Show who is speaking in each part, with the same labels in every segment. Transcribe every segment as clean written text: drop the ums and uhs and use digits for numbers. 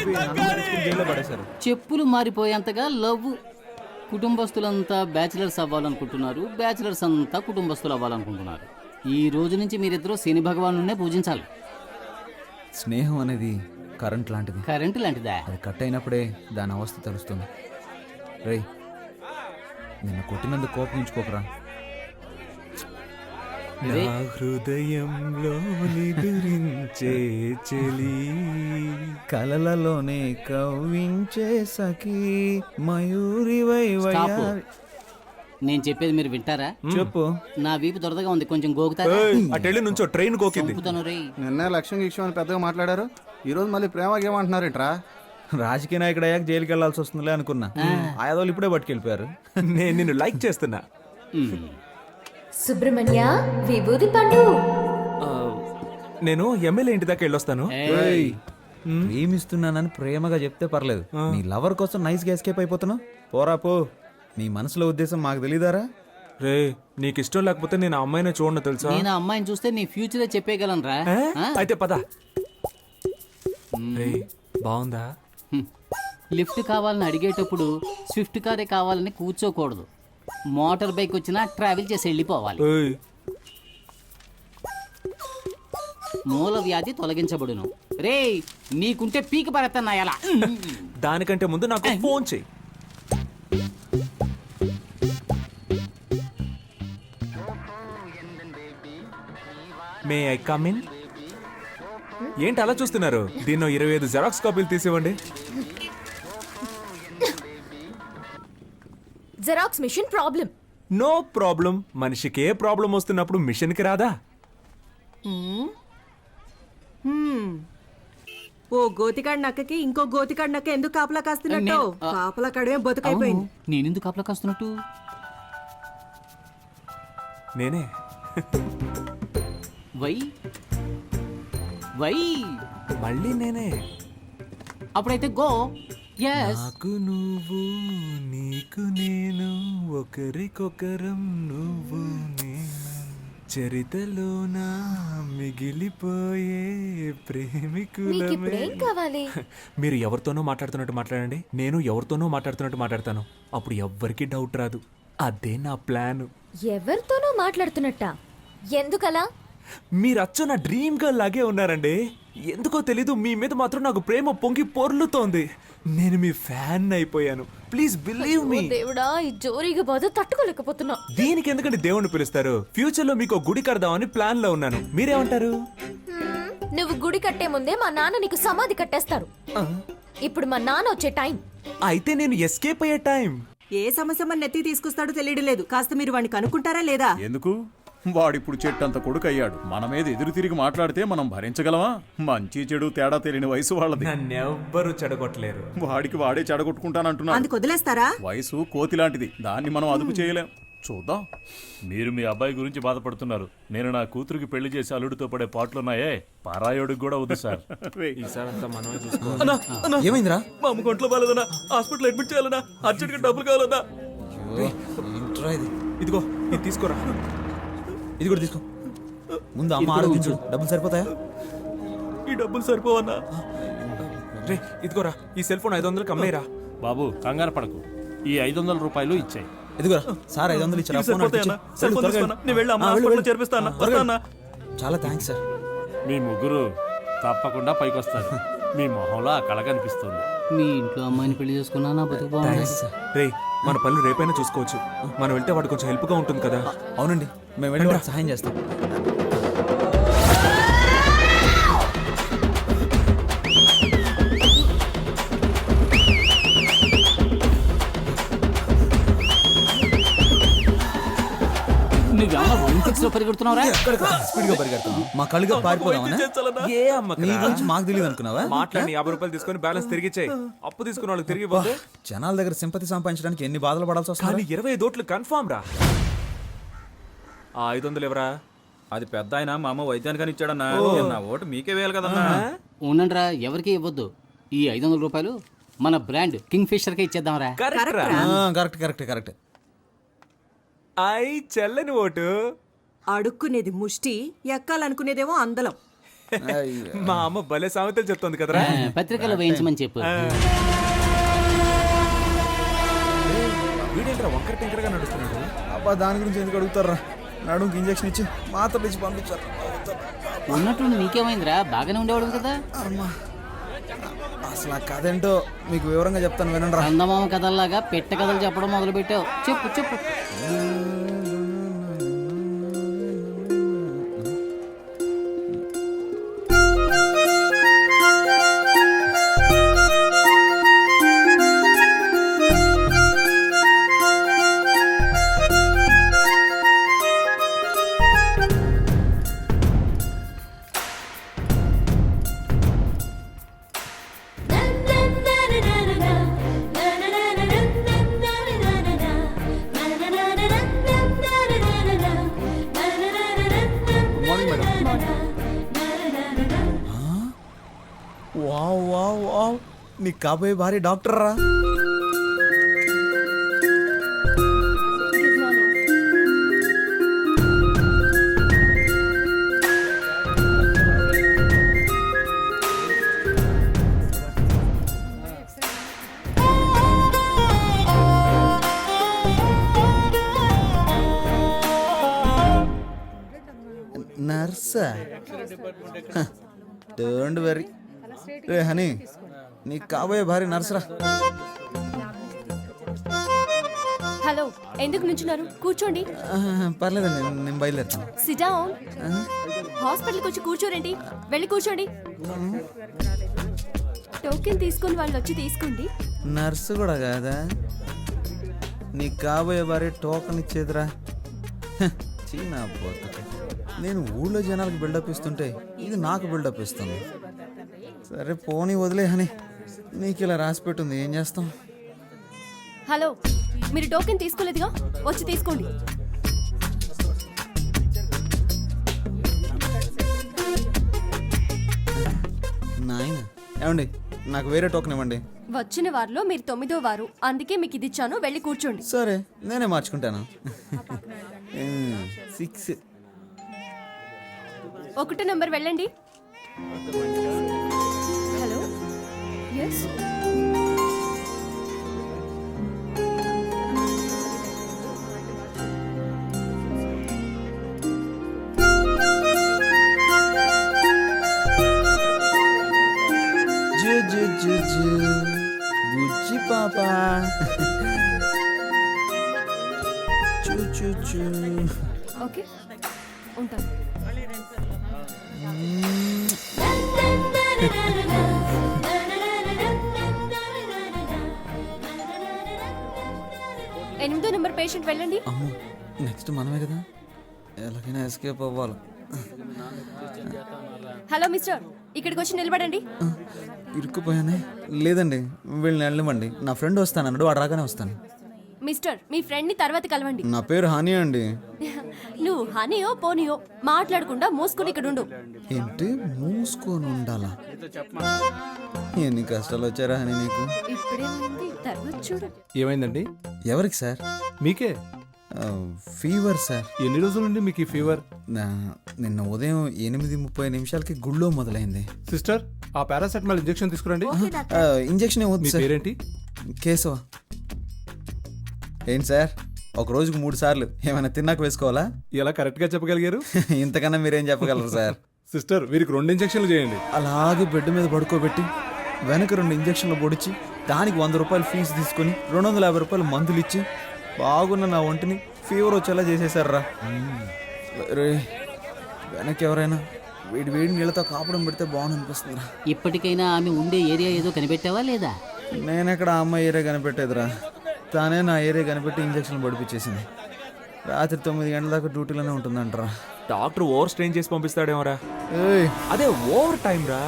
Speaker 1: జైల్లో పడేశారు.
Speaker 2: చెప్పులు మారిపోయేంతగా లవ్. కుటుంబస్తులంతా బ్యాచిలర్స్ అవ్వాలనుకుంటున్నారు, బ్యాచిలర్స్ అంతా కుటుంబస్తులు అవ్వాలనుకుంటున్నారు. ఈ రోజు నుంచి మీరిద్దరూ శని భగవానునే పూజించాలి.
Speaker 1: స్నేహం అనేది కరెంట్ లాంటిది.
Speaker 2: కరెంటు లాంటిదా?
Speaker 1: అది కట్ అయినప్పుడే దాని అవస్థ తెలుస్తుంది. రేయ్, నిన్ను కొట్టినందుకు కోపగించుకోకరా.
Speaker 2: రే.
Speaker 3: నా హృదయంలో నిదురించే చెలి,
Speaker 1: కలలలోనే కవ్వించే సఖీ మయూరి
Speaker 2: స్టాప్. నేను చెప్పేది మీరు వింటారా?
Speaker 1: చెప్పు.
Speaker 2: నా వీపు దొరదగా ఉంది, కొంచెం గోకుతారా?
Speaker 3: అటెళ్ళి నుంచో ట్రైన్ గోకింది.
Speaker 2: చంపుతాను రే.
Speaker 4: నిన్న లక్ష్యం గిక్ష్యం అని పెద్దగా మాట్లాడారు, ఈ రోజు మళ్ళీ ప్రేమ ఏమంటున్నారేంట్రా?
Speaker 1: రాజకీయ నాయకుడు అయ్యాక జైలుకి వెళ్లాల్సి వస్తుందిలే అనుకున్నా. ఆయాదోళ్ళు ఇప్పుడే పట్టుకెళ్ళిపోయారు.
Speaker 3: నేను నిన్ను లైక్ చేస్తున్నా.
Speaker 5: సుబ్రహ్మణ్య విభూది పండు.
Speaker 3: నేను ఎమ్మెల్యే ఇంటి దాకా వెళ్ళొస్తాను.
Speaker 1: ప్రేమిస్తున్నానని ప్రేమగా చెప్తే పర్లేదు, నీ లవర్ కోసం నైస్ గా ఎస్కేప్ అయిపోతున్నావు. పోరా పో. నీ మనసులో ఉద్దేశం మాకు తెలీదారా?
Speaker 3: రే, నీకు ఇష్టం లేకపోతే నేను ఆ అమ్మాయిని చూడను తెలుసా?
Speaker 2: నేను ఆ అమ్మాయిని చూస్తే నీ ఫ్యూచరే చెప్పేయగలను రా.
Speaker 3: అయితే పద. రే, బాగుందా?
Speaker 2: లిఫ్ట్ కావాలని అడిగేటప్పుడు స్విఫ్ట్ కారే కావాలని కూర్చోకూడదు. మోటార్ బైక్ వచ్చినా ట్రావెల్ చేసి వెళ్ళిపోవాలి.
Speaker 3: ఏయ్,
Speaker 2: మూల వ్యాధి తొలగించబడును. రే, నీకుంటే పీకి పడతాను ఎలా?
Speaker 3: దానికంటే ముందు నాకు ఫోన్ చెయ్యి. May I come in? ఏంటి అలా చూస్తున్నారు? దీన్నో 25 జెరాక్స్ కాపీలు తీసివ్వండి.
Speaker 5: Xerox machine problem.
Speaker 3: No problem. మనిషికి ఏ ప్రాబ్లం వస్తున్నప్పుడు మిషన్కి రాదా?
Speaker 6: ఓ గోతికాడి నక్కకి ఇంకో గోతికాడి నక్క ఎందుకు కాపలా కాస్తున్నట్టు? కాపలా కాడమే బతుకైపోయింది.
Speaker 2: నేనెందుకు కాపలా కాస్తున్నట్టు?
Speaker 3: నేనే.
Speaker 2: వై వై
Speaker 3: మళ్ళీ నేనే.
Speaker 2: అప్పుడైతే గో. ఎస్.
Speaker 3: నాకు నువ్వు, నీకు నేను, ఒకరికొకరం నువ్వు నేను, చరితలోన మిగిలిపోయే ప్రేమికులమే.
Speaker 5: మీకిప్పుడేం కావాలి?
Speaker 3: మీరు ఎవరితోనో మాట్లాడుతున్నట్టు మాట్లాడండి, నేను ఎవరితోనో మాట్లాడుతున్నట్టు మాట్లాడతాను. అప్పుడు ఎవ్వరికి డౌట్ రాదు. అదే నా ప్లాన్.
Speaker 5: ఎవరితోనో మాట్లాడుతున్నట్ట? ఎందుకలా?
Speaker 3: మీరు అచ్చ నా డ్రీమ్ గర్ల్ లాగే ఉన్నారండి. ఎందుకో తెలీదు, మీ మీద మాత్రం నాకు ప్రేమ పొంగి పొర్లుతోంది. నేను మీ ఫ్యాన్ అయిపోయాను. Please believe me.
Speaker 5: దేవుడా, ఈ జోరీగా బాధ తట్టుకోలేకపోతున్నా.
Speaker 3: దీనికి ఎందుకంటే దేవుణ్ణి పిలుస్తారు? ఫ్యూచర్ లో మీకు గుడి కడదామని ప్లాన్ లో ఉన్నాను. మీరేమంటారు?
Speaker 5: నువ్వు గుడి కట్టే ముందే మా నాన్న నీకు సమాధి కట్టేస్తారు. ఇప్పుడు మా నాన్న వచ్చే టైం.
Speaker 3: అయితే నేను ఎస్కేప్ అయ్యే టైం.
Speaker 6: ఏ సమస్య మన నెత్తి తీసుకొస్తాడో తెలియడం లేదు. కాస్త మీరు వాడిని కనుక్కుంటారా లేదా?
Speaker 7: ఎందుకు? వాడిప్పుడు చెట్టంత కొడుకు అయ్యాడు. మన మీద ఎదురు తిరిగి మాట్లాడితే మనం భరించగలమా? మంచి చెడు తేడా తెలియని వయసు వాళ్ళది.
Speaker 3: నన్నెవ్వరూ చెడగొట్టలేరు.
Speaker 7: వాడికి వాడే చెడగొట్టుకుంటానంటున్నాడు.
Speaker 6: అందుకు వదిలేస్తారా?
Speaker 7: వయసు కోతి లాంటిది, దాన్ని మనం అదుపు చేయలేం. చూద్దాం.
Speaker 8: మీరు మీ అబ్బాయి గురించి బాధపడుతున్నారు. నేను నా కూతురికి పెళ్లి చేసి అల్లుడితో పడే పాటలున్నాయే, పారాయోడికి కూడా వద్దు సార్.
Speaker 3: ఈసారంతా మనమే చూసుకోవాలి.
Speaker 1: ఏమైందిరా?
Speaker 3: మా అమ్మ ఒంట్లో బాలేదన్నా, హాస్పిటల్ అడ్మిట్ చేయాలన్నా, అర్జెంట్ గా డబ్బులు కావాలన్నా. ఇదిగో, ఇది తీసుకోరా.
Speaker 1: ఇది కూడా తీసుకో. ముందు అమ్మ ఆరోగించు. డబ్బులు సరిపోతాయా?
Speaker 3: ఈ డబ్బులు సరిపోవన్నా? రే, ఇదిగోరా, ఈ సెల్ ఫోన్ 500 అమ్మేరా.
Speaker 8: బాబు కంగారు పడకు, ఈ 500 రూపాయలు ఇచ్చాయి.
Speaker 1: ఇదిగోరా సార్, 500 ఇచ్చారా? చాలా థ్యాంక్స్ సార్.
Speaker 8: మీ ముగ్గురు తప్పకుండా పైకొస్తారు. మీ మొహంలో ఆ కళ కనిపిస్తుంది.
Speaker 2: మీ ఇంట్లో అమ్మాయిని పెళ్లి చేసుకున్నా నా బతుకు బాగుంది.
Speaker 3: రే, మన పనులు రేపైనా చూసుకోవచ్చు. మనం వెళ్తే వాడు కొంచెం హెల్ప్ గా ఉంటుంది కదా.
Speaker 1: అవునండి, మేము వెళ్ళి వాడికి సహాయం చేస్తాం.
Speaker 2: నువ్వేమన్నా ఒలింపిక్స్ లో పరిగెడుతున్నావురా?
Speaker 1: స్పీడ్ గా పరిగెడుతున్నాం. మా కళ్ళుగా పారిపోదామా?
Speaker 3: ఏ అమ్మకి
Speaker 1: నీ గురించి మాకు తెలియదు అనుకున్నావా?
Speaker 3: మాట్లాడి 50 రూపాయలు తీసుకొని బ్యాలెన్స్ తిరిగి ఇచ్చేయి. అప్పు తీసుకున్న వాళ్ళకి తిరిగి ఇవ్వదు.
Speaker 1: జనాల దగ్గర సింపతి సంపాదించడానికి ఎన్ని బాధలు పడాల్సి వస్తుంది.
Speaker 3: కానీ 25 ఓట్లు కన్ఫామ్ రా. ఆ 500 ఎవరా?
Speaker 9: అది పెద్ద ఆయన మా అమ్మ వైద్యానికని ఇచ్చాడన్నా. నా ఓటు మీకే వేయాలి కదన్నా.
Speaker 2: ఉండండిరా, ఎవరికి ఇవ్వద్దు. ఈ 500 రూపాయలు మన బ్రాండ్ కింగ్ ఫిషర్ కే ఇచ్చేద్దాంరా.
Speaker 1: Correct correct correct.
Speaker 3: ఐ చెల్లని ఓటు.
Speaker 6: అడుక్కునేది ముష్టి, ఎక్కాలనుకునేదేమో అందలం.
Speaker 3: మా అమ్మ భలే సామెతలు చెప్తోంది కదరా.
Speaker 2: పత్రికలో వేయించమని చెప్పు.
Speaker 3: వీడేంట్రా వంకర టింకరగా నడుస్తున్నాడు.
Speaker 1: అబ్బా దాని గురించి ఎందుకు అడుగుతారా? నడుముకి ఇంజక్షన్ ఇచ్చి మాత్రలు ఇచ్చి పంపించారు.
Speaker 2: ఉన్నట్టుండి నీకేమైందిరా? బాగానే ఉండేవాడు కదా.
Speaker 1: అసలు ఆ కథ ఏంటో మీకు వివరంగా చెప్తాను వినండి రా.
Speaker 2: చందమామ కథల్లాగా పెట్ట కథలు చెప్పడం మొదలు పెట్టావు. చెప్పు చెప్పు.
Speaker 1: వావ్ వావ్ వావ్, నీ కాబోయే భార్య డాక్టర్ రా. నర్సా? Don't worry. రే హనీ, నీ కాబోయే భార్య నర్సరా.
Speaker 5: హలో, ఎందుకు నుంచున్నారు? కూర్చోండి.
Speaker 1: పర్లేదండి, నేను బయలుదేరుతాను.
Speaker 5: Sit down. హాస్పిటల్కి వచ్చి కూర్చోరండి. వెళ్ళి కూర్చోండి. టోకెన్ తీసుకొని వాళ్ళు వచ్చి తీసుకోండి.
Speaker 1: నర్సు కూడా కాదా? నీ కాబోయే భార్య టోకన్ ఇచ్చేదిరా. చీనా బతుక. నేను ఊళ్ళో జనాలకు బిల్డప్ ఇస్తుంటే ఇది నాకు బిల్డప్ ఇస్తుంది. సరే పోనీ వదిలే హనీ, నీకు ఇలా రాసి పెట్టుంది, ఏం చేస్తాం.
Speaker 5: హలో, మీరు టోకెన్ తీసుకోలేదుగా, వచ్చి తీసుకోండి.
Speaker 1: నాయన ఏమండి, నాకు వేరే టోకెన్ ఇవ్వండి.
Speaker 5: వచ్చిన వారిలో మీరు 9వ వారు, అందుకే మీకు ఇది ఇచ్చాను. వెళ్ళి కూర్చోండి.
Speaker 1: సరే నేనే మార్చుకుంటాను. 6.
Speaker 5: 1 నంబర్ వెళ్ళండి. Hello, yes.
Speaker 1: బుజ్జి పాపా, చూ చూ చూ.
Speaker 5: ఓకే, ఉంటాను. ఎనిమిదో నెంబర్ పేషెంట్ వెళ్ళండి.
Speaker 1: అమ్మో, నెక్స్ట్ మనమే కదా, ఎలాగైనా ఎస్కేప్ అవ్వాలి.
Speaker 5: హలో మిస్టర్, ఇక్కడికి వచ్చి నిలబడండి.
Speaker 1: ఇరుక్కుపోయానే. లేదండి, వీళ్ళని వెళ్ళమండి. నా ఫ్రెండ్ వస్తానన్నాడు, వాడు రాగానే వస్తాను.
Speaker 5: మిస్టర్, మీ ఫ్రెండ్ ని తర్వాత కలవండి.
Speaker 1: నా పేరు హాని అండి.
Speaker 5: నువ్వు హనీయో పోనీయో మాట్లాడకుండా మూసుకుని ఇక్కడ ఉండు.
Speaker 1: ఏంటి మూసుకొని ఉండాలా? ఎన్ని కష్టాలు వచ్చారా హనీ నీకు?
Speaker 5: ఇప్పుడేమైంది, తర్వాత చూడు.
Speaker 3: ఏమైందండి?
Speaker 1: ఎవరికి సార్?
Speaker 3: మీకే.
Speaker 1: Fever sir.
Speaker 3: ఎన్ని రోజుల నుండి మీకు ఈ ఫీవర్?
Speaker 1: నిన్న ఉదయం 8:30 గుళ్ళో మొదలైంది.
Speaker 3: సిస్టర్, ఆ పారాసెటమాల్ ఇంజెక్షన్ తీసుకురండి.
Speaker 1: ఇంజెక్షన్
Speaker 3: మీ
Speaker 1: ఏమవుతుంది సార్?
Speaker 3: పేరేంటి?
Speaker 1: కేశవ. ఏంటి సార్, ఒక రోజుకు 3 సార్లు ఏమైనా తిన్నాక వేసుకోవాలా?
Speaker 3: ఎలా కరెక్ట్ గా చెప్పగలిగారు?
Speaker 1: ఇంతకన్నా మీరేం చెప్పగలరు సార్?
Speaker 3: సిస్టర్, వీరికి 2 ఇంజెక్షన్లు చేయండి.
Speaker 1: అలాగే బెడ్ మీద పడుకోబెట్టి వెనక 2 ఇంజక్షన్లు పొడిచి దానికి 100 రూపాయలు ఫీజు తీసుకొని 250 రూపాయలు మందులు ఇచ్చి బాగున్న నా ఒంటిని ఫీవర్ వచ్చేలా చేసేసారా. రే, వెనక్కి ఎవరైనా వేడి వేడి నీళ్ళతో కాపడం పెడితే బాగుంది అనిపిస్తుందిరా.
Speaker 2: ఇప్పటికైనా ఆమె ఉండే ఏరియా ఏదో కనిపెట్టావా లేదా?
Speaker 1: నేనెక్కడ ఆ అమ్మాయి ఏరియా కనిపెట్టేదిరా, తానే నా ఏరియా కనిపెట్టి ఇంజక్షన్లు పడిపించేసింది. రాత్రి 9 గంటల దాకా డ్యూటీలోనే ఉంటుందంటరా.
Speaker 3: డాక్టర్ ఓవర్ స్ట్రెయిన్ చేసి పంపిస్తాడేమోరా.
Speaker 1: ఏయ్,
Speaker 3: అదే ఓవర్ టైం రా.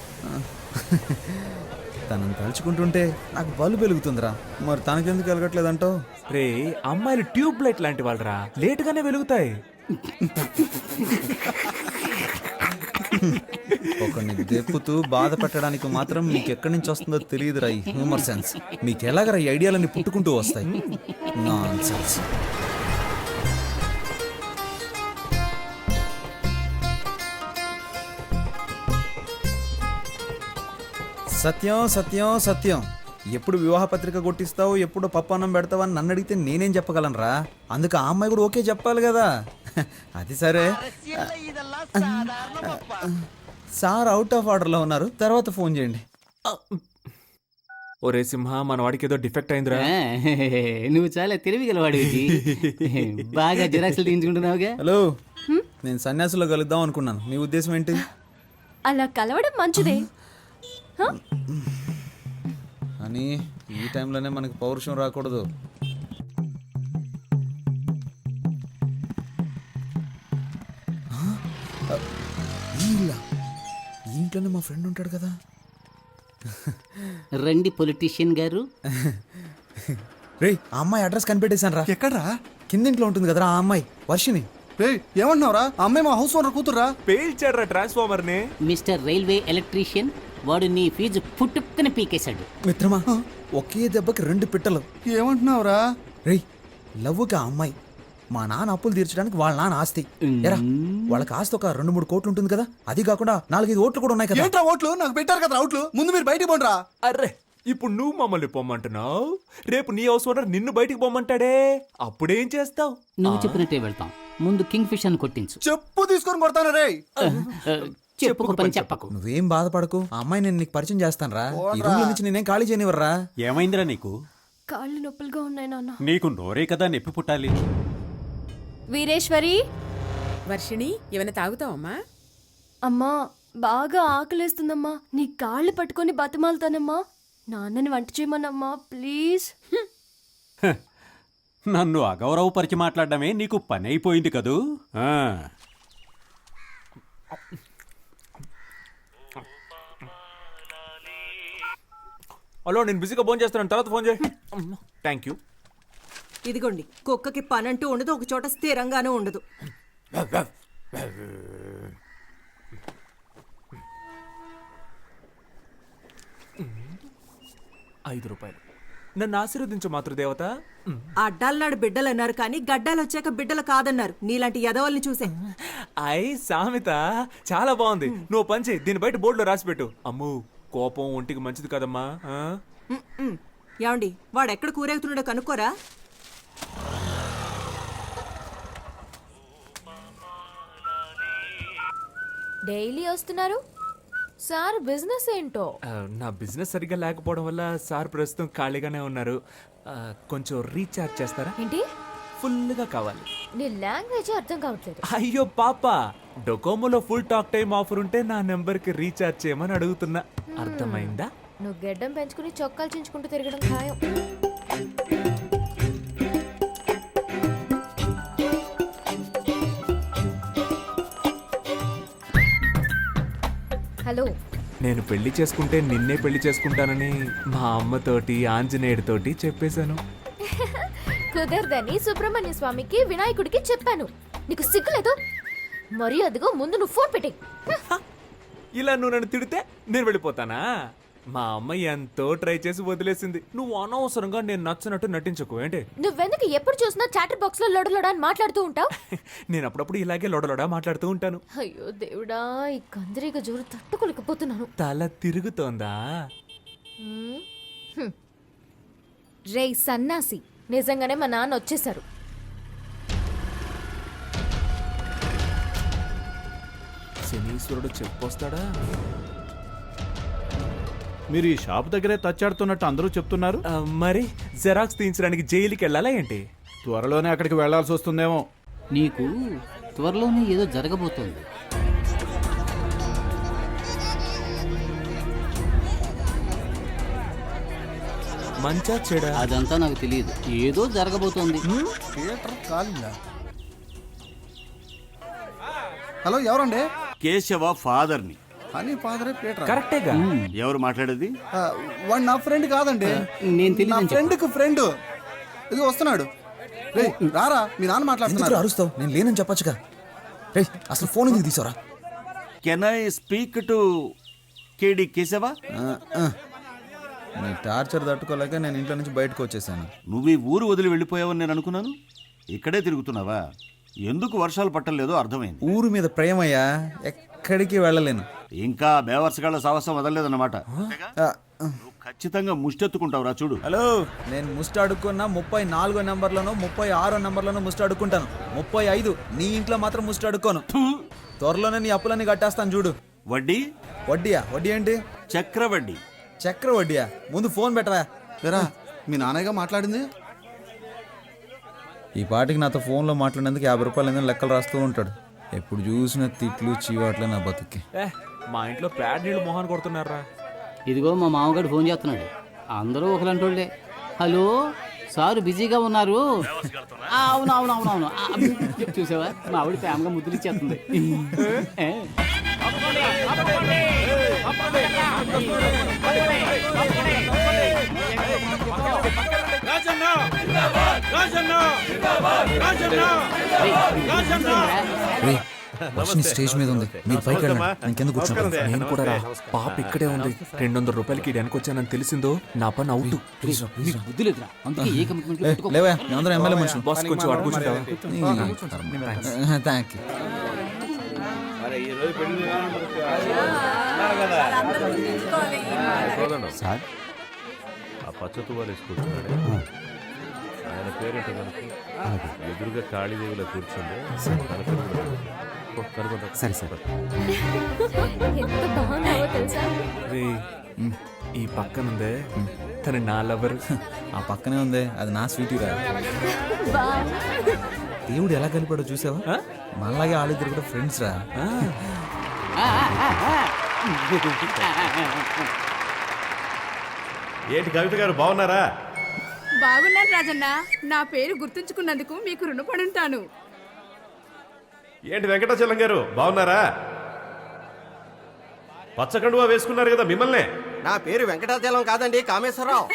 Speaker 1: తనని తలుచుకుంటుంటే నాకు బలు వెలుగుతుందిరా. మరి తనకెందుకు వెలగట్లేదంటావు?
Speaker 3: రే, అమ్మాయిలు ట్యూబ్ లైట్ లాంటి వాళ్ళరా, లేటుగానే వెలుగుతాయి.
Speaker 1: ఒకరిని దెప్పుతూ బాధ పెట్టడానికి మాత్రం మీకు ఎక్కడి నుంచి వస్తుందో తెలియదురా ఈ హ్యూమర్ సెన్స్. మీకు ఎలాగరా ఈ ఐడియాలన్నీ పుట్టుకుంటూ వస్తాయి? నాన్సెన్స్. సత్యం సత్యం సత్యం. ఎప్పుడు వివాహ పత్రిక కొట్టిస్తావు, ఎప్పుడు పప్పు అన్నం పెడతావు అని నన్ను అడిగితే నేనేం చెప్పగలనురా? అందుకు ఆ అమ్మాయి కూడా ఓకే చెప్పాలి కదా. అది సరే, సార్ అవుట్ ఆఫ్ ఆర్డర్లో ఉన్నారు, తర్వాత ఫోన్ చేయండి.
Speaker 3: ఒరే సింహ, మన వాడికి ఏదో డిఫెక్ట్ అయిందిరా.
Speaker 2: ఆ, నువ్వు చాలా తెలివిగలవాడివి. బాగా జిరాక్స్లు తీయించుకుంటున్నావుగా.
Speaker 1: హలో, నేను సన్యాసులో కలుద్దాం అనుకున్నాను, మీ ఉద్దేశం ఏంటి?
Speaker 5: అలా కలవడం మంచిదే.
Speaker 1: అని ఈ టైంలోనే మనకి పౌరుషం రాకూడదు. ఈ ఇంట్లోనే మా ఫ్రెండ్ ఉంటాడు కదా.
Speaker 2: రండి పొలిటీషియన్ గారు.
Speaker 1: రే, ఆ అమ్మాయి అడ్రస్ కనిపెట్టేశాను రా.
Speaker 4: ఎక్కడ్రా?
Speaker 1: కిందింట్లో ఉంటుంది కదరా ఆ అమ్మాయి, వర్షిని.
Speaker 4: రే ఏమంటున్నావురా? అమ్మాయి మా హౌస్ ఓనర్ కూతుర్రా.
Speaker 3: పేల్చాడ్రా ట్రాన్స్ఫార్మర్ ని.
Speaker 2: మిస్టర్ రైల్వే ఎలక్ట్రీషియన్, వాడు నీ ఫీజు పుట్టుక్కని పీకేశాడు.
Speaker 1: మిత్రమా, ఒకే దెబ్బకి 2 పిట్టలు.
Speaker 4: ఏమంటున్నావురా?
Speaker 1: రేయ్, లవ్వుకి ఆ అమ్మాయి మా నాన్న అప్పులు తీర్చడానికి వాళ్ళ నాన్న ఆస్తి. ఎరా, వాళ్ళకి ఆస్తి ఒక 2-3 కోట్లు ఉంటుంది కదా. అది కాకుండా 4-5 ఓట్లు కూడా ఉన్నాయి కదా.
Speaker 4: ఏంట్రా ఓట్లు? నాకు పెట్టారు కదా అవుట్లు. ముందు మీరు బయటికి పోండిరా.
Speaker 3: అర్రే, ఇప్పుడు నువ్వు మమ్మల్ని పొమ్మంటున్నావు, రేపు నీ హౌస్ ఓనర్ నిన్ను బయటికి పొమ్మంటాడే, అప్పుడేం చేస్తావు?
Speaker 2: నువ్వు చెప్పినట్టే వెళ్తాం. ముందు కింగ్ ఫిష్ అని కొట్టించు.
Speaker 4: చెప్పు తీసుకొని కొడతాను రే.
Speaker 2: చెప్పుకు పని చెప్పకు.
Speaker 1: నువ్వేం బాధపడకు, ఆ అమ్మాయి నేను నీకు పరిచయం చేస్తాను రా. ఈ రూమ్ నుంచి నేనేం ఖాళీ చేయనివర్రా.
Speaker 10: ఏమైందిరా నీకు?
Speaker 5: కాళ్ళు నొప్పులుగా ఉన్నాయి నాన్న.
Speaker 10: నీకు నోరే కదా నొప్పి పుట్టాలి.
Speaker 5: వీరేశ్వరి,
Speaker 6: వర్షిణి, ఏమైనా తాగుతావమ్మా?
Speaker 5: అమ్మా బాగా ఆకలేస్తుందమ్మా. నీ కాళ్ళు పట్టుకొని బతిమాలుతానమ్మా. నాన్నని వంట చేయమన్నమ్మా ప్లీజ్.
Speaker 10: నన్ను అగౌరవపరిచి మాట్లాడడమే నీకు పని అయిపోయింది కదూ. ఆ.
Speaker 3: హలో, నేను బిజీగా ఫోన్ చేస్తున్నాను, తర్వాత ఫోన్ చేయి. Thank you.
Speaker 6: ఇదిగోండి, కుక్కకి పనంటూ ఉండదు, ఒక చోట స్థిరంగానూ ఉండదు.
Speaker 3: ₹5. నన్ను ఆశీర్వదించు మాతృదేవత.
Speaker 6: అడ్డాలనాడు బిడ్డలు అన్నారు కానీ గడ్డాలు వచ్చాక బిడ్డలు కాదన్నారు. నీలాంటి యదవల్ని చూసే.
Speaker 3: సామెత చాలా బాగుంది. నువ్వు పని చేయి, దీని బయట బోర్డులో రాసి పెట్టు. అమ్ము, కోపం ఒంటికి మంచిది కదమ్మా.
Speaker 6: ఏమండి, వాడు ఎక్కడ కూరేగుతున్నాడో కనుక్కోరా.
Speaker 5: డైలీ వస్తున్నారు సార్. బిజినెస్ ఏంటో?
Speaker 3: నా బిజినెస్ సరిగ్గా లేకపోవడం వల్ల సార్ ప్రస్తుతం ఖాళీగానే ఉన్నారు. కొంచెం రీఛార్జ్ చేస్తారా?
Speaker 5: ఏంటి?
Speaker 3: ఫుల్గా కావాలి.
Speaker 5: నీ లాంగ్వేజ్ అర్థం కావట్లేదు.
Speaker 3: అయ్యో పాప, డొకోమోలో ఫుల్ టాక్ టైం ఆఫర్ ఉంటే నా నెంబర్కి రీఛార్జ్ చేయమని అడుగుతున్నా. అర్థమైందా?
Speaker 5: నువ్వు గెడ్డం పెంచుకుని చొక్కాలు చించుకుంటూ తిరగడం ఖాయం. హలో,
Speaker 3: నేను పెళ్లి చేసుకుంటే నిన్నే పెళ్లి చేసుకుంటానని మా అమ్మతోటి ఆంజనేయుడితోటి చెప్పేశాను.
Speaker 5: కుదరదని సుబ్రహ్మణ్య స్వామికి వినాయకుడికి చెప్పాను. నీకు సిగ్గులేదు? మరి అదిగో ముందు నువ్వు ఫోన్ పెట్టే.
Speaker 3: ఇలా నువ్వు నన్ను తిడితే నేను వెళ్ళిపోతానా? మా అమ్మ ఎంతో ట్రై చేసి వదిలేసింది. నువ్వు అనవసరంగా నేను నచ్చినట్టు నటించకు. ఏంటి?
Speaker 5: నువ్వెందుకు ఎప్పుడు చూసినా చాటర్ బాక్స్ లో లొడలొడ అని మాట్లాడుతూ ఉంటావు?
Speaker 3: నేను అప్పుడప్పుడు ఇలాగే లొడలొడా మాట్లాడుతూ ఉంటాను.
Speaker 5: అయ్యో దేవుడా, ఈ కందిరీగ జోరు తట్టుకోలేకపోతున్నాను.
Speaker 3: తల తిరుగుతోందా?
Speaker 5: రేయ్ సన్నాసి, నిజంగానే మా నాన్న వచ్చేసారు.
Speaker 3: శనీశ్వరుడు చెప్పొస్తాడా?
Speaker 7: మీరు ఈ షాప్ దగ్గరే తచ్చాడుతున్నట్టు అందరూ చెప్తున్నారు.
Speaker 3: మరి జెరాక్స్ తీయించడానికి జైలుకి వెళ్ళాలా ఏంటి?
Speaker 7: త్వరలోనే అక్కడికి వెళ్లాల్సి వస్తుందేమో.
Speaker 2: నీకు త్వరలోనే ఏదో జరగబోతోంది.
Speaker 3: మంచా చెడా?
Speaker 2: అదంతా నాకు తెలియదు, ఏదో జరగబోతోంది.
Speaker 4: థియేటర్ కాలిందా? హలో, ఎవరండి?
Speaker 10: కేశవ ఫాదర్ని.
Speaker 4: అని ఫాదరే పీటర్.
Speaker 3: కరెక్టేగా.
Speaker 10: ఎవరు మాట్లాడేది?
Speaker 4: వాడు నా ఫ్రెండ్ కాదండి,
Speaker 2: నేను
Speaker 4: నా
Speaker 2: తెలియదు.
Speaker 4: ఫ్రెండ్కి ఫ్రెండ్. ఇది వస్తున్నాడు. రే రారా, మీ నాన్న
Speaker 1: ఎందుకు
Speaker 4: మాట్లాడుతున్నారు.
Speaker 1: అరుస్తావు? నేను లేనని చెప్పొచ్చుగా. రే, అసలు ఫోన్ ఎందుకు తీసావురా?
Speaker 10: కెన్ ఐ స్పీక్ టు కేడి కేశవ?
Speaker 1: నీ టార్చర్ తట్టుకోలేక నేను ఇంట్లో నుంచి బయటకు వచ్చేసాను.
Speaker 10: నువ్వు ఈ ఊరు వదిలి వెళ్ళిపోయావని నేను అనుకున్నాను. ఇక్కడే తిరుగుతున్నావా? ఎందుకు వర్షాలు పట్టలేదో అర్థమైంది.
Speaker 1: ఊరు మీద ప్రేమయ్యా, ఎక్కడికి వెళ్ళలేను.
Speaker 10: ఇంకా బేవర్సగాళ్ళ సాహసం వదలలేదన్నమాట
Speaker 1: ఆ,
Speaker 10: నువ్వు ఖచ్చితంగా ముష్టెత్తుకుంటావురా చూడు.
Speaker 1: హలో, నేను ముస్ట్ అడుక్కున్నా 34 నెంబర్లోనో 36 నెంబర్లోనో ముస్ట్ అడుక్కుంటాను. 35 నీ ఇంట్లో మాత్రం ముస్ట్ అడుక్కోను. త్వరలోనే నీ అప్పులన్నీ కట్టేస్తాను చూడు.
Speaker 10: వడ్డీ
Speaker 1: వడ్డీయా? వడ్డీ ఏంటి?
Speaker 10: చక్రవడ్డీ.
Speaker 1: చక్ర వడ్డీయా? ముందు ఫోన్ పెట్టవా.
Speaker 4: లేరా మీ నాన్నగా మాట్లాడింది?
Speaker 1: ఈ పాటికి నాతో ఫోన్లో మాట్లాడేందుకు 50 రూపాయలు ఏదైనా లెక్కలు రాస్తూ ఉంటాడు. ఎప్పుడు చూసిన తిట్లు చీవాట్లే నా బతుక్కి.
Speaker 3: మా ఇంట్లో ప్యాడ్ నీళ్ళు మొహాన్ కొడుతున్నారా.
Speaker 2: ఇదిగో మా మామగారు ఫోన్ చేస్తున్నాడు. అందరూ ఒకలంటోళ్ళే. హలో సార్ బిజీగా ఉన్నారు. అవునవునవునవును. చూసావా మా ఆవిడ ప్రేమగా ముద్దులు ఇచ్చేస్తుంది. ఏ?
Speaker 1: స్టేజ్ మీద ఉంది, మీరు పైకి వెళ్ళండి. ఇంకెందుకు కూర్చుంటారు?
Speaker 3: నేను కూడా రా. పాప ఇక్కడే ఉంది. 200 రూపాయలకి వెనక్కి వచ్చానని తెలిసిందో నా పని అవుట్.
Speaker 2: నీకు బుద్ధి లేదురా. అందుకే ఏ కమిట్మెంట్
Speaker 1: లేవా, మేమందరం ఎమ్మెల్యే మనుషులు.
Speaker 3: బాస్ కొంచెం అటు కూర్చుంటావా?
Speaker 1: Thank you.
Speaker 10: సార్
Speaker 8: ఆ పచ్చ తువాలు వేసుకుంటున్నాడే ఆయన పేరేంటో కనుక ఎదురుగా కాళీదేవిలో కూర్చుంది.
Speaker 3: సరే సరే.
Speaker 5: ఎంత బాగున్నావో తెలుసా?
Speaker 3: రే, ఈ పక్కనుందే తను నా లవర్.
Speaker 1: ఆ పక్కనే ఉంది, అది నా స్వీటీ రా.
Speaker 5: బా.
Speaker 1: దేవుడు ఎలా కలిపాడో చూసావా? మనలాగే వాళ్ళిద్దరు కూడా ఫ్రెండ్స్ రా.
Speaker 7: ఏంటి కవిత గారు బాగున్నారా?
Speaker 6: బాగున్నాను రాజన్న. నా పేరు గుర్తుంచుకున్నందుకు మీకు రుణపడి ఉంటాను.
Speaker 7: ఏంటి వెంకటాచలం గారు బాగున్నారా? పచ్చకండువా వేసుకున్నారు కదా మిమ్మల్నే.
Speaker 9: నా పేరు వెంకటాచలం కాదండి, కామేశ్వరరావు.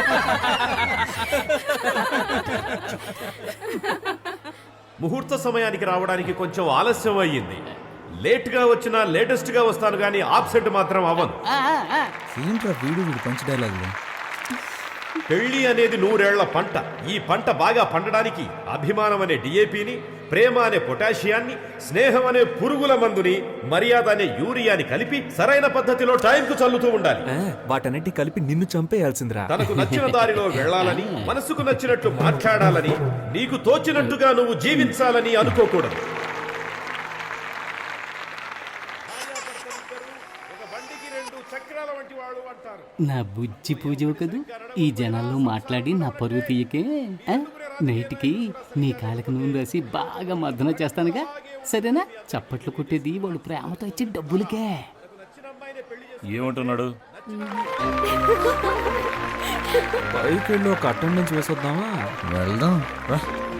Speaker 7: ముహూర్త సమయానికి రావడానికి కొంచెం ఆలస్యం అయ్యింది. లేట్గా వచ్చినా లేటెస్ట్గా వస్తాను కానీ ఆబ్సెంట్ మాత్రం అవ్వను.
Speaker 1: ఏంట్రా వీడు పంచ్ డైలాగులు.
Speaker 7: పెళ్లి అనేది 100 ఏళ్ల పంట. ఈ పంట బాగా పండడానికి అభిమానం అనే డిఏపిని, ప్రేమ అనే పొటాషియాన్ని, స్నేహం అనే పురుగుల మందుని, మర్యాద అనే యూరియాని కలిపి సరైన పద్ధతిలో టైంకు చల్లుతూ ఉండాలి.
Speaker 3: వాటన్నిటి కలిపి నిన్ను చంపేయాల్సిందిరా.
Speaker 7: తనకు నచ్చిన దారిలో వెళ్ళాలని, మనసుకు నచ్చినట్లు మాట్లాడాలని, నీకు తోచినట్టుగా నువ్వు జీవించాలని అనుకోకూడదు.
Speaker 2: నా బుజ్జి పూజ కదూ. ఈ జనాల్లో మాట్లాడి నా పరువు తీయకే. నైట్కి నీ కాళ్ళకి నూనె రాసి బాగా మర్దన చేస్తానుగా, సరేనా? చప్పట్లు కొట్టేది వాళ్ళు ప్రేమతో ఇచ్చే డబ్బులకే.
Speaker 8: ఏమంటున్నాడు?
Speaker 3: బైక్ వెళ్ళి ఒక అటెండెన్స్ వేసొద్దామా?
Speaker 1: వెళ్దాం రా.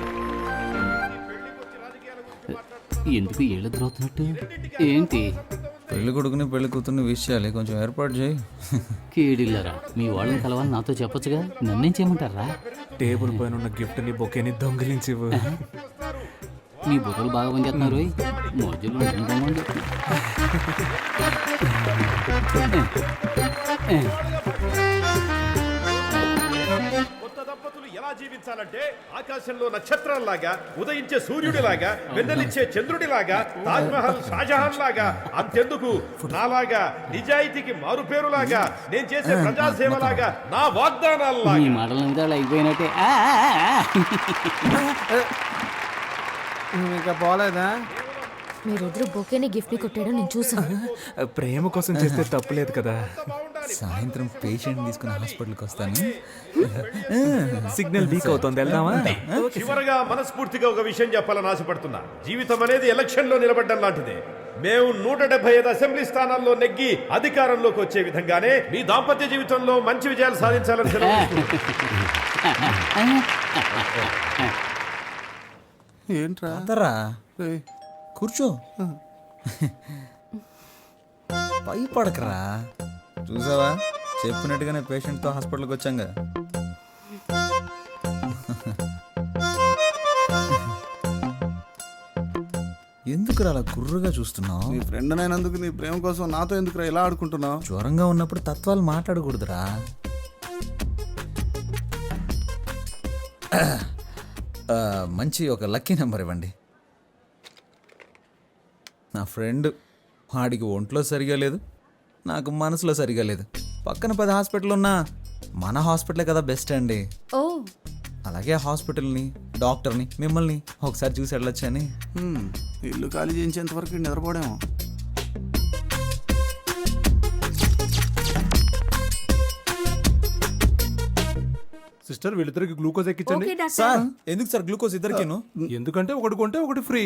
Speaker 2: ఎందుకు ఏళ్ళు ఎదురవుతున్నట్టు? ఏంటి?
Speaker 1: పెళ్లి కొడుకుని పెళ్లి కూతుర్ని విష్ చేయాలి, కొంచెం ఏర్పాటు చేయి.
Speaker 2: కేడిల్లరా, మీ వాళ్ళని కలవాలని నాతో చెప్పొచ్చుగా. నన్నేం చేయమంటారా?
Speaker 3: టేబుల్ పైన ఉన్న గిఫ్ట్ ని బొకేని దొంగిలించివు.
Speaker 2: మీ బుర్రలు బాగా పనిచేస్తున్నారు. మోజులు
Speaker 7: కొత్త దంపతులు ఎలా జీవించాలంటే ఆకాశంలో నక్షత్రాల్లాగా, ఉదయించే సూర్యుడిలాగా, వెన్నెలిచ్చే చంద్రుడిలాగా, తాజ్ మహల్ షాజహాన్ లాగా, అంతెందుకు నాలాగా నిజాయితీకి మారుపేరులాగా, నేను చేసే ప్రజాసేవలాగా, నా వాగ్దానాల్లాగా.
Speaker 2: మీ మాటల మీద అలా అయిపోయినట్టే.
Speaker 4: ఇంకా పోలేదా?
Speaker 5: మీరిద్దరు బొకేని గిఫ్ట్ ని కొట్టాడో నేను చూసాను.
Speaker 3: ప్రేమ కోసం చేస్తే తప్పులేదు కదా.
Speaker 1: సాయంత్రం పేషెంట్ తీసుకుని హాస్పిటల్కి వస్తాను.
Speaker 3: సిగ్నల్ వీక్ అవుతుంది, వెళ్దామా?
Speaker 7: చివరగా మనస్ఫూర్తిగా ఒక విషయం చెప్పాలని ఆశపడుతున్నా. జీవితం అనేది ఎలక్షన్ లో నిలబడ్డం లాంటిదే. మేము 175 అసెంబ్లీ స్థానాల్లో నెగ్గి అధికారంలోకి వచ్చే విధంగానే మీ దాంపత్య జీవితంలో మంచి విజయాలు సాధించాలని
Speaker 4: ఏంట్రా?
Speaker 1: అందరా కూర్చో. భయపడకరా. చూసావా, చెప్పినట్టుగానే పేషెంట్తో హాస్పిటల్కి వచ్చాంగా. ఎందుకురా అలా గుర్రుగా చూస్తున్నావు?
Speaker 4: నీ ఫ్రెండ్ అయినందుకు నీ ప్రేమ కోసం నాతో ఎందుకురా ఇలా ఆడుకుంటున్నావు?
Speaker 1: జ్వరంగా ఉన్నప్పుడు తత్వాలు మాట్లాడకూడదురా. మంచి ఒక లక్కీ నెంబర్ ఇవ్వండి. నా ఫ్రెండ్ వాడికి ఒంట్లో సరిగా లేదు, నాకు మనసులో సరిగా లేదు. పక్కన 10 హాస్పిటల్ ఉన్నా మన హాస్పిటలే కదా బెస్ట్ అండి.
Speaker 5: ఓ
Speaker 1: అలాగే హాస్పిటల్ని, డాక్టర్ని, మిమ్మల్ని ఒకసారి చూసి వెళ్ళొచ్చని.
Speaker 4: ఇల్లు ఖాళీ చేయించేంత వరకు నిద్రపోవడేమో.
Speaker 3: సిస్టర్ వీళ్ళిద్దరికి గ్లూకోజ్ ఎక్కించండి.
Speaker 6: Okay doctor.
Speaker 1: సార్ ఎందుకు సార్ గ్లూకోజ్ ఇద్దరికేను?
Speaker 3: ఎందుకంటే ఒకటి కొంటే ఒకటి ఫ్రీ.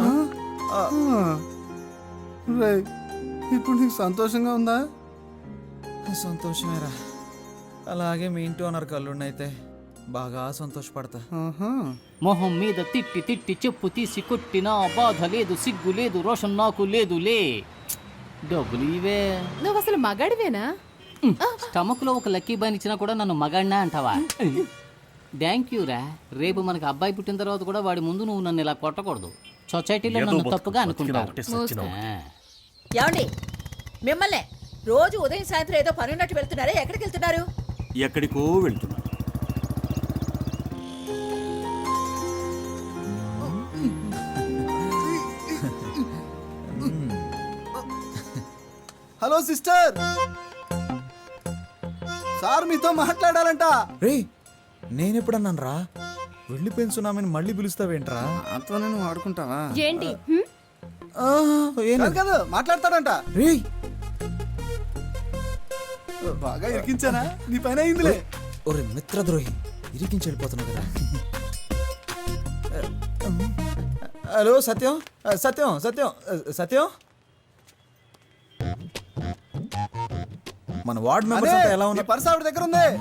Speaker 4: రేయ్, ఇప్పుడు నీకు సంతోషంగా ఉందా?
Speaker 1: సంతోషమేరా. అలాగే మీ ఇంటి ఓనర్ కళ్ళుండైతే బాగా సంతోషపడతా.
Speaker 4: ఆహా.
Speaker 2: మొహం మీద తిట్టి తిట్టి చెప్పు తీసి కొట్టినా బాధ లేదు, సిగ్గు లేదు, రోషన్ నాకు లేదులే. డబ్బులు ఇవే.
Speaker 5: నువ్వు అసలు మగాడివేనా?
Speaker 2: స్టమక్ లో ఒక లక్కీ బాన్ ఇచ్చినా కూడా నన్ను మగాడినా అంటావా? థ్యాంక్ యూ రా. రేపు మనకు అబ్బాయి పుట్టిన తర్వాత కూడా వాడి ముందు నువ్వు నన్ను ఇలా కొట్టకూడదు. సొసైటీలో నన్ను తప్పుగా అనుకుంటారు.
Speaker 6: ఏమండి మిమ్మల్ని రోజు ఉదయం సాయంత్రం ఏదో పని ఉన్నట్టు వెళ్తున్నారే, ఎక్కడికి వెళ్తున్నారు?
Speaker 10: ఎక్కడికో వెళ్తున్నా.
Speaker 4: హలో సిస్టర్, సార్ మీతో మాట్లాడాలంట.
Speaker 1: రే నేనెప్పుడన్నాను రా వెళ్ళిపోయిన సునామీని మళ్ళీ పిలుస్తావేంట్రా?
Speaker 4: అంతా నువ్వు ఆడుకుంటావా?
Speaker 5: ఏంటి?
Speaker 4: కాదు కాదు, మాట్లాడతాడంట.
Speaker 1: రే
Speaker 4: బాగా ఇరికించానా? నీ పైన అయిందిలే.
Speaker 1: ఒరే మిత్రద్రోహి, ఇరికించి వెళ్ళిపోతున్నావు కదా. హలో సత్యం, సత్యం సత్యం సత్యం, మన వార్డ్ మెంబర్స్ అంతా ఎలా
Speaker 4: నీ
Speaker 1: ఉన్నారు?
Speaker 4: పర్స్ ఆవిడ దగ్గర ఉంది.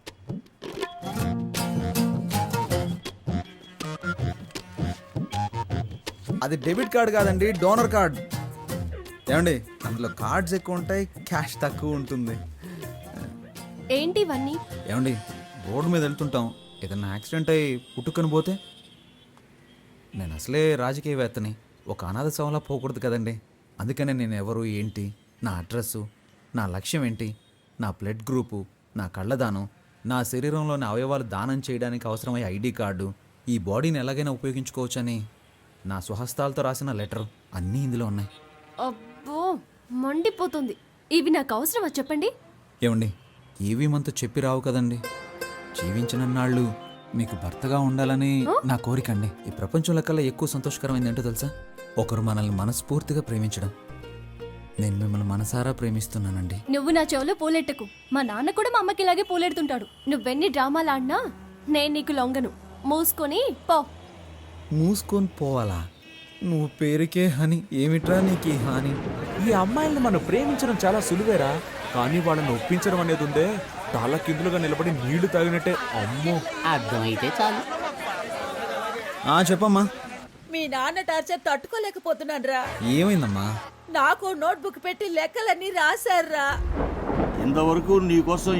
Speaker 1: అది డెబిట్ కార్డ్ కాదండి, డోనర్ కార్డ్. ఏమండి అందులో కార్డ్స్ ఎక్కువ ఉంటాయి, క్యాష్ తక్కువ ఉంటుంది.
Speaker 5: ఏంటి ఇవన్నీ?
Speaker 1: ఏమండి రోడ్డు మీద వెళ్తుంటాం, ఏదైనా యాక్సిడెంట్ అయ్యి పుట్టుకొని పోతే? నేను అసలే రాజకీయవేత్తని, ఒక అనాథ శవంలా పోకూడదు కదండి. అందుకనే నేను ఎవరు ఏంటి, నా అడ్రస్సు, నా లక్ష్యం ఏంటి, నా బ్లడ్ గ్రూపు, నా కళ్ళదానం, నా శరీరంలోని అవయవాలు దానం చేయడానికి అవసరమయ్యే ఐడి కార్డు, ఈ బాడీని ఎలాగైనా ఉపయోగించుకోవచ్చని నా స్వహస్తాలతో రాసిన లెటర్ అన్నీ ఇందులో ఉన్నాయి.
Speaker 5: అబ్బో మండిపోతుంది. ఇవి నాకు అవసరమా చెప్పండి?
Speaker 1: ఏమండి ఏవి మనతో చెప్పి రావు కదండి. జీవించినన్నాళ్ళు మీకు భర్తగా ఉండాలని నా కోరికండి. ఈ ప్రపంచంలో కల్లా ఎక్కువ సంతోషకరమైంది ఏంటో తెలుసా? ఒకరు మనల్ని మనస్ఫూర్తిగా ప్రేమించడం. నేను మిమ్మల్ని మనసారా ప్రేమిస్తున్నానండి.
Speaker 5: నువ్వు నా చెవులో పూలెట్టకు. మా నాన్న కూడా మా అమ్మకి ఇలాగే పూలెడుతుంటాడు. నువ్వెన్ని డ్రామాలు ఆడినా నేను నీకు లొంగను. మూసుకొని పో.
Speaker 1: మూసుకొని పోవాలా? నువ్వు పేరుకే హని, ఏమిట్రా నీకు ఈ హాని?
Speaker 3: ఈ అమ్మాయిల్ని మనం ప్రేమించడం చాలా సులువేరా, కానీ వాళ్ళని ఒప్పించడం అనేది ఉందే, తల కిందులుగా నిలబడి నీళ్లు తాగినట్టే. అమ్మో.
Speaker 2: అర్థమైతే చాలు.
Speaker 1: చెప్పమ్మా.
Speaker 6: మీ నాన్న టార్చర్ తట్టుకోలేకపోతున్నాను రా.
Speaker 1: ఏమైందమ్మా?
Speaker 6: నాకు నోట్బుక్ పెట్టి లెక్కలన్నీ రాశారా.
Speaker 10: ఇంతవరకు నీకోసం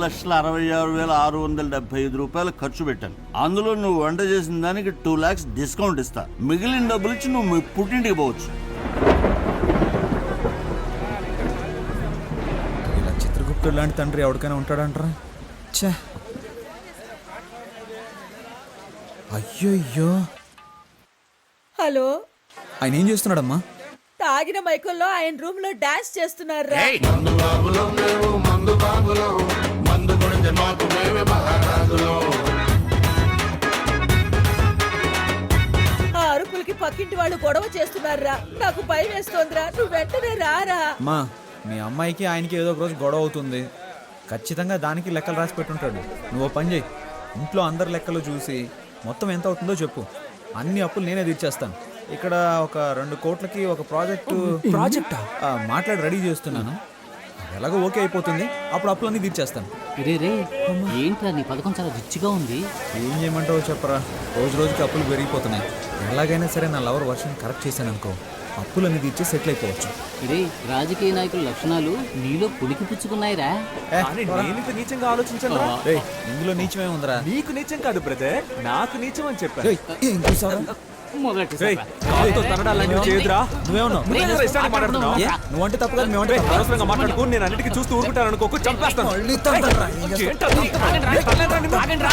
Speaker 10: 20,66,675 రూపాయలు ఖర్చు పెట్టాను. అందులో నువ్వు వంట చేసిన దానికి 2 lakhs డిస్కౌంట్ ఇస్తా. మిగిలిన డబ్బులు ఇచ్చి నువ్వు మీ పుట్టింటికి పోవచ్చు.
Speaker 1: ఇలా చిత్రగుప్తుడు లాంటి తండ్రి ఎవరికైనా ఉంటాడంటారా? ఛే, అయ్యో.
Speaker 6: హలో,
Speaker 1: ఆయన ఏం చేస్తున్నాడమ్మా?
Speaker 6: తాగిన మైకుల్లో ఆయన రూమ్ లో డాన్స్ చేస్తున్నారా. ఆ అరుపులకి పక్కింటి వాళ్ళు గొడవ చేస్తున్నారా. నాకు భయం వేస్తోందిరా. నువ్వు వెంటనే రారా.
Speaker 1: అమ్మా మీ అమ్మాయికి ఆయనకి ఏదో ఒక రోజు గొడవ అవుతుంది. ఖచ్చితంగా దానికి లెక్కలు రాసి పెట్టుంటాడు. నువ్వు ఓ పని చేయి, ఇంట్లో అందరి లెక్కలు చూసి మొత్తం ఎంత అవుతుందో చెప్పు. అన్ని అప్పులు నేనే తీర్చేస్తాను. ఇక్కడ ఒక 2 కోట్లకి ఒక ప్రాజెక్టా మాట్లాడి రెడీ చేస్తున్నాను. ఎలాగో ఓకే అయిపోతుంది, అప్పుడు అప్పులన్నీ తీర్చేస్తాను.
Speaker 2: రే రే, ఏంట్రా నీ పథకం చాలా రిచ్గా ఉంది.
Speaker 1: ఏం చేయమంటావో చెప్పరా, రోజు రోజుకి అప్పులు పెరిగిపోతున్నాయి. ఎలాగైనా సరే నా లవర్ వర్షన్ కరెక్ట్ చేశాను అనుకో, అప్పులన్నీ తీర్చి సెటిల్ అయిపోవచ్చు.
Speaker 2: రే రాజకీయ నాయకుల లక్షణాలు నీలో పులికి పుచ్చుకున్నాయిరా.
Speaker 3: కానీ నేను ఇంత నీచంగా ఆలోచించను.
Speaker 1: రేయ్, ఇందులో నీచమే ఉందిరా.
Speaker 3: నీకు నీచం కాదు బ్రదర్, నాకు నీచం అని చెప్పాను.
Speaker 1: రేయ్, ఏం చూసావురా?
Speaker 2: మొదటి
Speaker 3: రేయ్, కాలుతో తనడాలని చేయదురా.
Speaker 1: నువ్వేమన్నావు?
Speaker 3: నువ్వేరా ఇష్టానికి మాట్లాడుతున్నావు?
Speaker 1: ఏ? నువ్వంటే తప్పు కాదు, మేమంటే
Speaker 3: రేయ్,
Speaker 1: తప్పా?
Speaker 3: అనవసరంగా మాట్లాడుకో. నేను అన్నిటికీ చూస్తూ ఊరుకుంటాను అనుకోకు, చంపేస్తాను.
Speaker 1: మళ్ళీ తండ్రా.
Speaker 3: ఏంటది?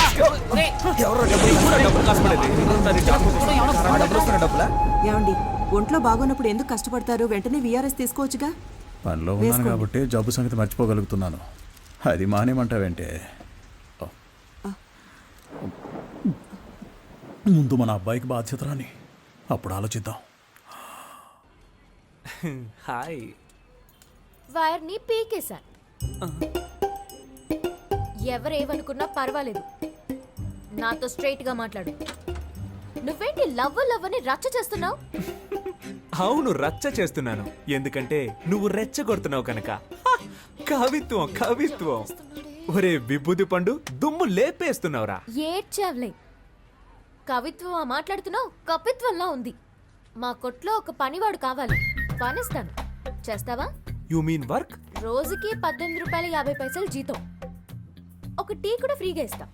Speaker 1: ఎవరో
Speaker 3: నీకు కూడా డబ్బులు కాసుపడేది.
Speaker 1: డబ్బులు వస్తున్న డబ్బులా?
Speaker 6: ఏమండి
Speaker 11: ఒంట్లో బాగోనప్పుడు ఎందుకు కష్టపడతారు? వెంటనే వీఆర్ఎస్ తీసుకోవచ్చుగా.
Speaker 12: పనిలో ఉన్నాను కాబట్టి జబ్బు సంగతి మర్చిపోగలుగుతున్నాను. అది మానేమంటావేంటే? ముందు మన అబ్బాయికి బాధ్యత రాని, అప్పుడు ఆలోచిద్దాం.
Speaker 3: హాయ్.
Speaker 5: వైర్ని పీకేశా. ఎవరేమనుకున్నా పర్వాలేదు, నాతో స్ట్రైట్ గా మాట్లాడు. నువ్వేంటి లవ్ అని రచ్చ చేస్తున్నావు?
Speaker 3: అవును, రచ్చ చేస్తున్నాను. ఎందుకంటే నువ్వు రెచ్చగొడుతున్నావు కనుక. కవిత్వం కవిత్వం. ఒరే విభూది పండు, దుమ్ము లేపేస్తున్నావురా.
Speaker 5: ఏడ్చావులే. కవిత్వం మాట్లాడుతున్నావు, కపిత్వంలా ఉంది. మా కొట్లో ఒక పనివాడు కావాలి, పనిస్తాను. చేస్తావా?
Speaker 3: You mean work?
Speaker 5: రోజుకి 18 రూపాయలు 50 పైసలు జీతం. ఒక టీ కూడా ఫ్రీగా ఇస్తా.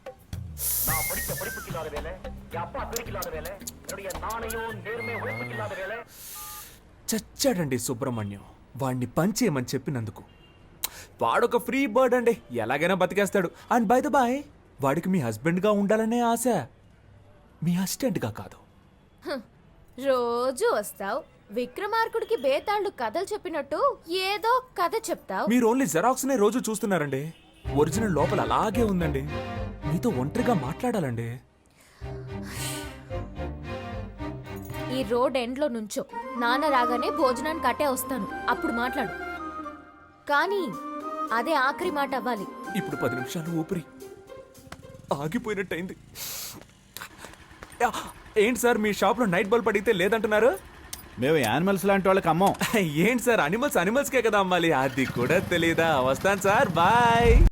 Speaker 3: చచ్చాడండి సుబ్రహ్మణ్యం, వాడిని పంచేయమని చెప్పినందుకు. వాడొక ఫ్రీ బర్డ్ అండి, ఎలాగైనా బతికేస్తాడు. అండ్ బై ద బాయ్, వాడికి మీ హస్బెండ్గా ఉండాలనే ఆశ, మీ అసిస్టెంట్గా కాదు.
Speaker 5: రోజు వస్తావు, విక్రమార్కుడికి బేతాళుడు కథలు చెప్పినట్టు ఏదో కథ చెప్తావు.
Speaker 3: మీరు ఓన్లీ జెరాక్స్ నే రోజు చూస్తున్నారండి. ఒరిజినల్ లోపల అలాగే ఉందండి. మీతో ఒంటరిగా మాట్లాడాలండి.
Speaker 5: ఈ రోడ్ ఎండ్ లో నుంచో, నాన్న రాగానే భోజనానికి అట్టే వస్తాను, అప్పుడు మాట్లాడు. కానీ అదే ఆఖరి మాట అవ్వాలి.
Speaker 3: ఇప్పుడు 10 నిమిషాలు ఊపిరి ఆగిపోయినట్టయింది. ఏంటి సార్, మీ షాప్ లో నైట్ బల్బ్ అడిగితే లేదంటున్నారు?
Speaker 12: మేము యానిమల్స్ లాంటి వాళ్ళకి అమ్మం.
Speaker 3: ఏంటి సార్, అనిమల్స్కే కదా అమ్మాలి, అది కూడా తెలీదా? వస్తాను సార్, బాయ్.